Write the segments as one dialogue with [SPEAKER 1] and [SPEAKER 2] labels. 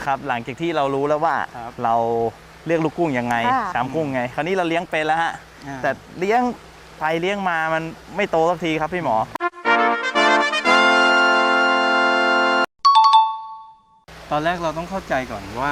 [SPEAKER 1] ครับหลังจากที่เรารู้แล้วว่าเราเลือกลูกกุ้งยังไงชามกุ้งไงคราวนี้เราเลี้ยงเป็นแล้วฮะแต่เลี้ยงไปเลี้ยงมามันไม่โตสักทีครับพี่หมอ
[SPEAKER 2] ตอนแรกเราต้องเข้าใจก่อนว่า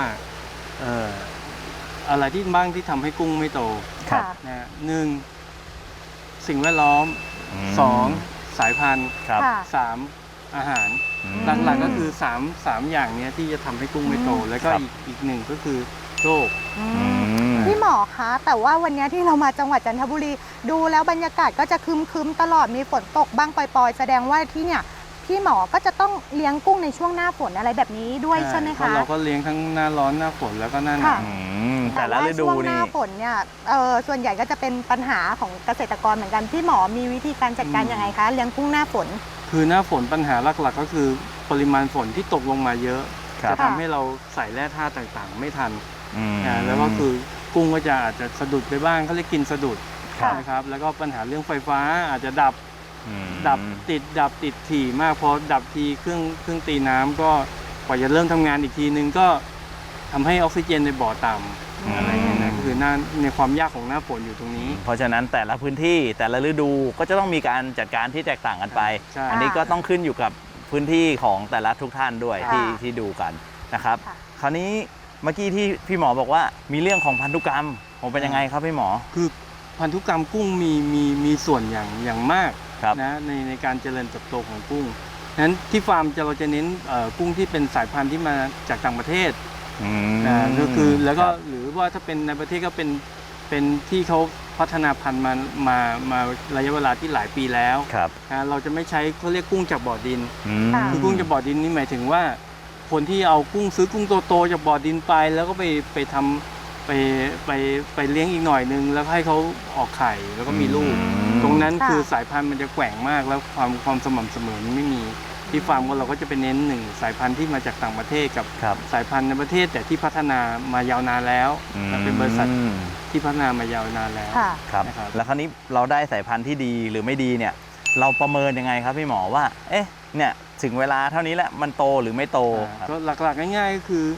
[SPEAKER 2] อะไรที่บ้างที่ทำให้กุ้งไม่โตนะหนึ่งสิ่งแวดล้อมสองสายพันธุ์สามอาหารหลักๆก็คือสามอย่างนี้ที่จะทำให้กุ้งไม่โตแล้วก็อีกหนึ่งก็คือโรค
[SPEAKER 3] พี่หมอคะแต่ว่าวันนี้ที่เรามาจังหวัดจันทบุรีดูแล้วบรรยากาศก็จะครึมๆตลอดมีฝนตกบ้างปล่อยๆแสดงว่าที่เนี่ยพี่หมอก็จะต้องเลี้ยงกุ้งในช่วงหน้าฝนอะไรแบบนี้ด้วยใช่ไหมคะ
[SPEAKER 2] เราก็เลี้ยงทั้งหน้าร้อนหน้าฝนแล้วก็หน้าหนาว
[SPEAKER 1] แต่ละฤดูนี่ช่วง
[SPEAKER 3] หน้าฝนเนี่ยส่วนใหญ่ก็จะเป็นปัญหาของเกษตรกรเหมือนกันพี่หมอมีวิธีการจัดการยังไงคะเลี้ยงกุ้งหน้าฝน
[SPEAKER 2] คือหน้าฝนปัญหาหลักๆก็คือปริมาณฝนที่ตกลงมาเยอะจะทำให้เราใส่แร่ธาตุต่างๆไม่ทันแล้วก็คือกุ้งก็จะอาจจะสะดุดไปบ้างเขาเรียกกินสะดุดนะครับแล้วก็ปัญหาเรื่องไฟฟ้าอาจจะดับติดถี่มากพอดับทีเครื่องตีน้ำก็กว่าจะเริ่มทำงานอีกทีนึงก็ทำให้ออกซิเจนในบ่อต่ำอะไรอย่างเงี้ยนะคือในความยากของหน้าฝนอยู่ตรงนี้
[SPEAKER 1] เพราะฉะนั้นแต่ละพื้นที่แต่ละฤดูก็จะต้องมีการจัดการที่แตกต่างกันไปอันนี้ก็ต้องขึ้นอยู่กับพื้นที่ของแต่ละทุกท่านด้วยที่ดูกันนะครับคราวนี้เมื่อกี้ที่พี่หมอบอกว่ามีเรื่องของพันธุกรรมผมเป็นยังไงครับพี่หมอ
[SPEAKER 2] คือพันธุกรรมกุ้งมีส่วนอย่างมากนะในการเจริญเติบโตของกุ้งนั้นที่ฟาร์มเราจะเน้นกุ้งที่เป็นสายพันธุ์ที่มาจากต่างประเทศก็คือแล้วก็หรือว่าถ้าเป็นในประเทศก็เป็นที่เขาพัฒนาพันธุ์มาระยะเวลาที่หลายปีแล้วเราจะไม่ใช้เขาเรียกกุ้งจากบ่อดินคือกุ้งจากบ่อดินนี่หมายถึงว่าคนที่เอากุ้งซื้อกุ้งโตๆจากบ่อดินไปแล้วก็ไปทำไปเลี้ยงอีกหน่อยนึงแล้วให้เขาออกไข่แล้วก็มีลูกตรงนั้นคือสายพันธุ์มันจะแกว่งมากแล้วความสม่ำเสมอมันไม่มีที่ฟาร์มเราก็จะไปเน้นหนึ่งสายพันธุ์ที่มาจากต่างประเทศกับสายพันธุ์ในประเทศแต่ที่พัฒนามายาวนานแล้วเป็นบริษัทที่พัฒนามายาวนานแล้ว
[SPEAKER 1] ครับแล้วคราวนี้เราได้สายพันธุ์ที่ดีหรือไม่ดีเนี่ยเราประเมินยังไงครับพี่หมอว่าเอ๊ะเนี่ยถึงเวลาเท่านี้แหละมันโตหรือไม่โต
[SPEAKER 2] ก็หลักๆง่ายๆก็คือ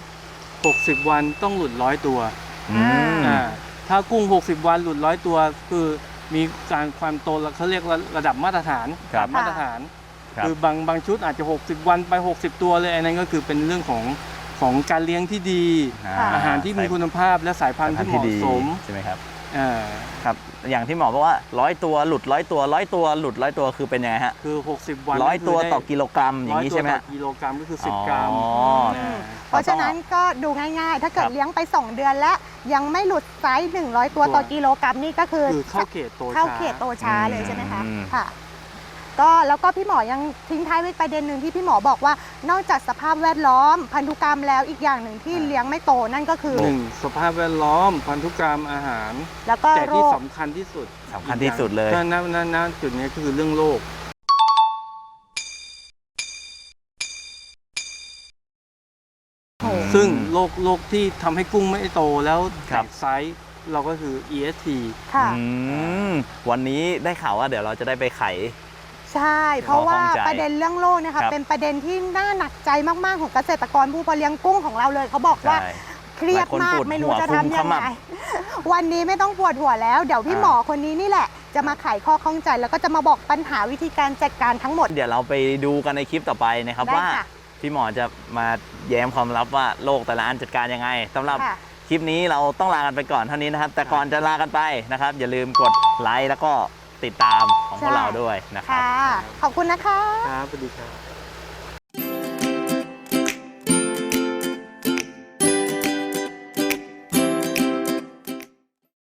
[SPEAKER 2] 60วันต้องหลุด100ตัวถ้ากุ้ง60วันหลุด100ตัวคือมีการความโตเขาเรียกระดับมาตรฐานมาตรฐานคือบางชุดอาจจะ60วันไป60ตัวเลยอันนั้นก็คือเป็นเรื่องของการเลี้ยงที่ดีอาหารที่มีคุณภาพและสายพันธุ์ที่เหมาะสม
[SPEAKER 1] ใช่ไหมครับครับอย่างที่หมอบอกว่า100ตัวหลุด100ตัว100ตัวหลุด100ตัวคือเป็นยังไงฮะ
[SPEAKER 2] คือ60วัน
[SPEAKER 1] 100ตัวต่อกิโลกรัมอย่างนี้ใช่ไหม
[SPEAKER 2] กิโลกรัมก็คือ10 กรัม
[SPEAKER 3] เพราะฉะนั้นก็ดูง่ายๆถ้าเกิดเลี้ยงไป2เดือนแล้วยังไม่หลุดไซส์100ตัวต่อกิโลกรัมนี่ก็คือ
[SPEAKER 2] เข้าเขต
[SPEAKER 3] โตช้าเลยใช่ไหมคะค่ะก็แล้วก็พี่หมอยังทิ้งท้ายไว้ประเด็นหนึ่งที่พี่หมอบอกว่านอกจากสภาพแวดล้อมพันธุกรรมแล้วอีกอย่างหนึ่งที่เลี้ยงไม่โตนั่นก็คือ
[SPEAKER 2] 1สภาพแวดล้อมพันธุกรรมอาหาร
[SPEAKER 3] แล้วก็
[SPEAKER 2] แต่ที่สำคัญที่สุด
[SPEAKER 1] เลย
[SPEAKER 2] นั่นจุดนี้คือเรื่องโรคซึ่งโรคที่ทำให้กุ้งไม่โตแล้วแตกไซส์เราก็คือ EST
[SPEAKER 1] วันนี้ได้ข่าวว่าเดี๋ยวเราจะได้ไปไข
[SPEAKER 3] ใช่เพราะว่าประเด็นเรื่องโรคนะคะเป็นประเด็นที่น่าหนักใจมากๆของเกษตรกรผู้เลี้ยงกุ้งของเราเลยเขาบอกว่าเครียดมากไม่รู้จะทำยังไงวันนี้ไม่ต้องปวดหัวแล้วเดี๋ยวพี่หมอคนนี้นี่แหละจะมาไขข้อข้องใจแล้วก็จะมาบอกปัญหาวิธีการจัดการทั้งหมด
[SPEAKER 1] เดี๋ยวเราไปดูกันในคลิปต่อไปนะครับว่าพี่หมอจะมาแย้มความลับว่าโรคแต่ละอันจัดการยังไงสำหรับคลิปนี้เราต้องลากันไปก่อนเท่านี้นะครับแต่ก่อนจะลากันไปนะครับอย่าลืมกดไลค์แล้วก็ติดตามของพวกเราด้วยนะครับ
[SPEAKER 3] ขอบคุณนะคะ
[SPEAKER 2] ครับสวัสดีครับ